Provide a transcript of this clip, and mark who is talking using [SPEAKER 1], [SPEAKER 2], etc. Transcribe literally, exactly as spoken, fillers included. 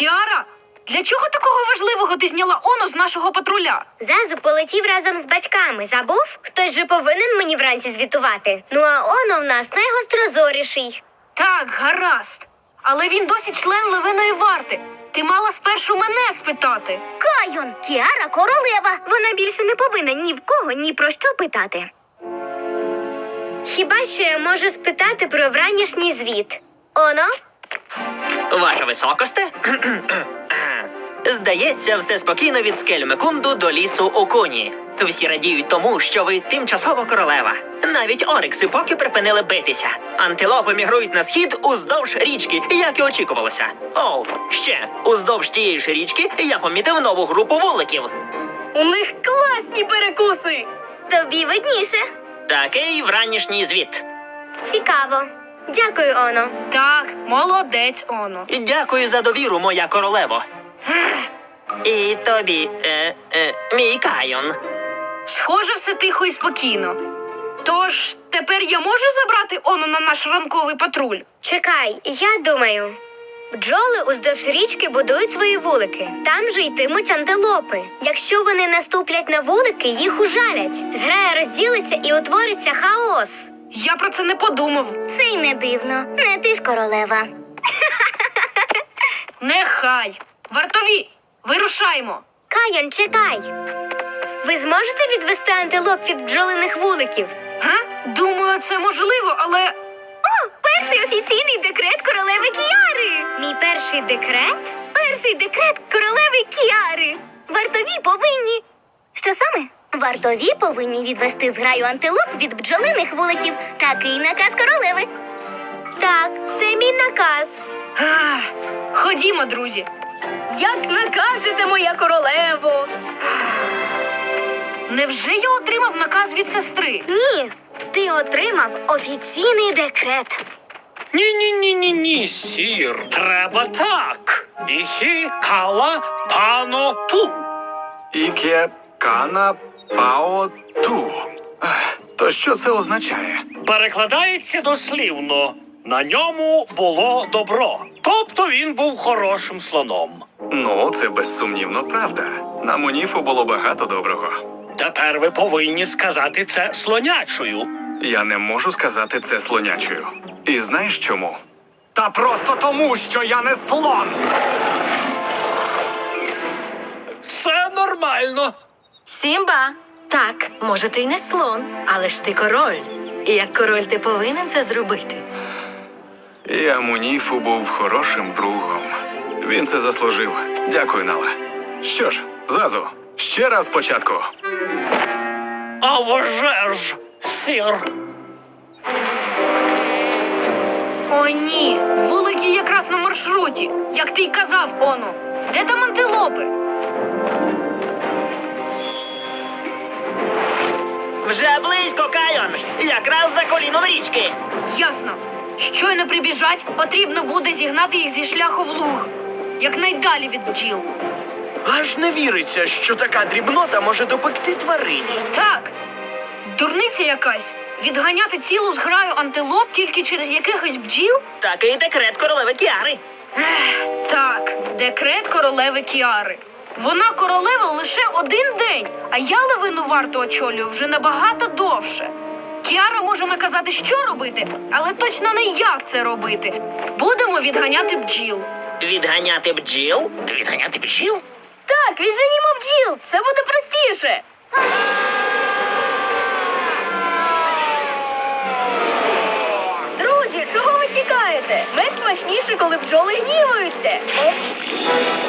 [SPEAKER 1] Кіара, для чого такого важливого ти зняла Оно з нашого патруля?
[SPEAKER 2] Зазу полетів разом з батьками. Забув? Хтось же повинен мені вранці звітувати. Ну а Оно в нас найгострозоріший.
[SPEAKER 1] Так, гаразд. Але він досі член левиної варти. Ти мала спершу мене спитати.
[SPEAKER 2] Кайон! Кіара королева! Вона більше не повинна ні в кого, ні про що питати. Хіба що я можу спитати про вранішній звіт. Оно?
[SPEAKER 3] Ваша високосте? Здається, все спокійно від скель Мекунду до лісу Окуні. Всі радіють тому, що ви тимчасово королева. Навіть орикси поки припинили битися. Антилопи мігрують на схід уздовж річки, як і очікувалося. О, ще, уздовж тієї ж річки я помітив нову групу вуликів.
[SPEAKER 1] У них класні перекуси!
[SPEAKER 2] Тобі видніше.
[SPEAKER 3] Такий вранішній звіт.
[SPEAKER 2] Цікаво. Дякую, Оно.
[SPEAKER 1] Так, молодець, Оно.
[SPEAKER 3] Дякую за довіру, моя королево. І тобі, е, е, мій Кайон.
[SPEAKER 1] Схоже, все тихо і спокійно. Тож, тепер я можу забрати Оно на наш ранковий патруль?
[SPEAKER 2] Чекай, я думаю. Бджоли уздовж річки будують свої вулики. Там же йтимуть антилопи. Якщо вони наступлять на вулики, їх ужалять. Зграя розділиться і утвориться хаос.
[SPEAKER 1] Я про це не подумав.
[SPEAKER 2] Це й не дивно. Не ти ж королева.
[SPEAKER 1] Нехай. Вартові, вирушаймо.
[SPEAKER 2] Кайон, чекай. Ви зможете відвести антилоп від бджолиних вуликів?
[SPEAKER 1] Га? Думаю, це можливо, але...
[SPEAKER 2] О, перший офіційний декрет королеви Кіари. Мій перший декрет? Перший декрет королеви Кіари. Вартові повинні... Що саме? Вартові повинні відвести зграю антилоп від бджолиних вуликів. Такий наказ королеви. Так, це мій наказ.
[SPEAKER 1] Ах, ходімо, друзі. Як накажете, моя королево? Невже я отримав наказ від сестри?
[SPEAKER 2] Ні, ти отримав офіційний декрет.
[SPEAKER 4] Ні-ні-ні-ні-ні, сір. Треба так. Іхі кала пано ту.
[SPEAKER 5] Іке кана пао ту. Ех, То що це означає?
[SPEAKER 4] Перекладається дослівно. На ньому було добро. Тобто він був хорошим слоном.
[SPEAKER 5] Ну, це безсумнівно правда. На Муніфу було багато доброго.
[SPEAKER 4] Тепер ви повинні сказати це слонячою.
[SPEAKER 5] Я не можу сказати це слонячою. І знаєш чому? Та просто тому, що я не слон!
[SPEAKER 4] Все нормально.
[SPEAKER 6] Сімба! Так, може, ти й не слон, але ж ти король. І як король ти повинен це зробити.
[SPEAKER 5] Я Муніфу був хорошим другом. Він це заслужив. Дякую, Нала. Що ж, Зазу, ще раз спочатку.
[SPEAKER 4] А вже ж, сір.
[SPEAKER 1] О, ні, вулики якраз на маршруті, як ти й казав, Оно. Де там антилопи?
[SPEAKER 3] Вже близько, Кайон. Якраз за коліном річки.
[SPEAKER 1] Ясно. Щойно прибіжать, потрібно буде зігнати їх зі шляху в луг. Якнайдалі від бджіл.
[SPEAKER 7] Аж не віриться, що така дрібнота може допекти тварині.
[SPEAKER 1] Так, дурниця якась. Відганяти цілу зграю антилоп тільки через якихось бджіл?
[SPEAKER 3] Такий декрет королеви Кіари.
[SPEAKER 1] Ех, так, декрет королеви Кіари. Вона королева лише один день, а я левину варту очолюю вже набагато довше. Кіара може наказати, що робити, але точно не як це робити. Будемо відганяти бджіл.
[SPEAKER 3] Відганяти бджіл? Відганяти бджіл?
[SPEAKER 1] Так, відженімо бджіл, це буде простіше. Друзі, чого ви тікаєте? Мед смачніше, коли бджоли гніваються.